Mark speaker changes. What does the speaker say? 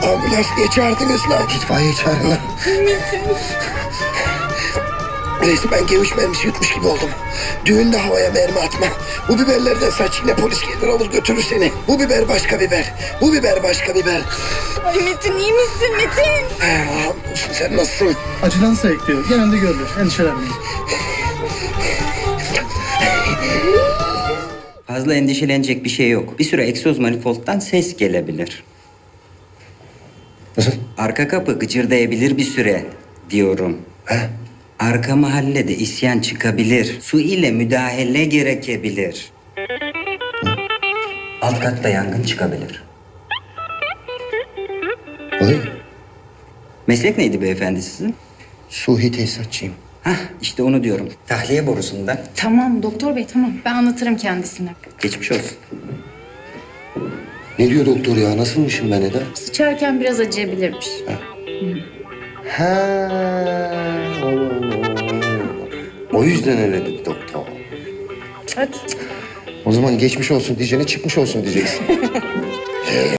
Speaker 1: Ambulans niye çağırdınız lan? İtfaiye çağırın lan. Resmen geviş mermisi yutmuş gibi oldum. Düğünde havaya mermi atma. Bu biberlerden saç yine polis gelir alır götürür seni. Bu biber başka biber. Bu biber başka biber.
Speaker 2: Ay Metin iyi misin Metin?
Speaker 1: Hamdolsun, sen nasılsın?
Speaker 3: Acıdan sayıklıyor. Genelde görülür. Endişelenmeyin.
Speaker 4: Fazla endişelenecek bir şey yok. Bir süre egzoz manifoldtan ses gelebilir.
Speaker 1: Nasıl?
Speaker 4: Arka kapı gıcırdayabilir bir süre diyorum.
Speaker 1: He?
Speaker 4: Arka mahallede isyan çıkabilir. Su ile müdahale gerekebilir. Alt katta yangın çıkabilir.
Speaker 1: Oy.
Speaker 4: Meslek neydi beyefendi sizin?
Speaker 1: Suhi tesisatçıyım.
Speaker 4: Hah işte onu diyorum. Tahliye borusundan.
Speaker 2: Tamam doktor bey tamam ben anlatırım kendisine.
Speaker 4: Geçmiş olsun.
Speaker 1: Ne diyor doktor ya? Nasılmışım ben Eda?
Speaker 2: Sıçarken biraz acıyabilirmiş.
Speaker 1: Ha. O yüzden öyle dedi doktor.
Speaker 2: Hadi.
Speaker 1: O zaman geçmiş olsun diyeceğine çıkmış olsun diyeceksin.